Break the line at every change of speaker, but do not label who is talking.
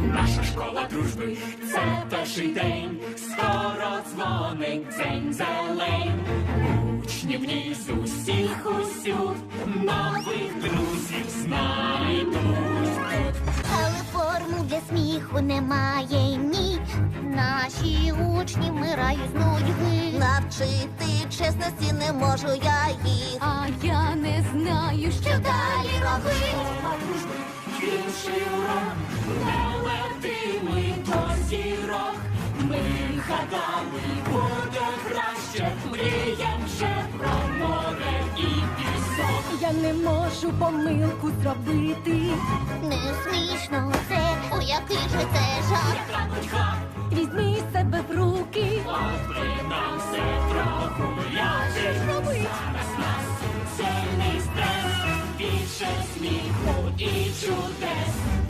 Наша школа дружби — це перший день, скоро дзвонить дзень зелень. Учні в ній з усіх усюд нових друзів знайдуть тут.
Але формул для сміху немає, ні. Наші учні вмирають з нудьги.
Навчити чесності не можу я їх.
А я не знаю, що далі робити.
Школа дружби — інший урок, не летимо до зірок. Ми гадали, буде краще, мрієм вже про море і пісок.
Я не можу помилку зробити.
Не смішно це, о, який же це жах.
Яка нудьга,
Візьми себе в руки.
от би нам все прогуляти. Зараз нас сильний стрес, більше сміху і чудес.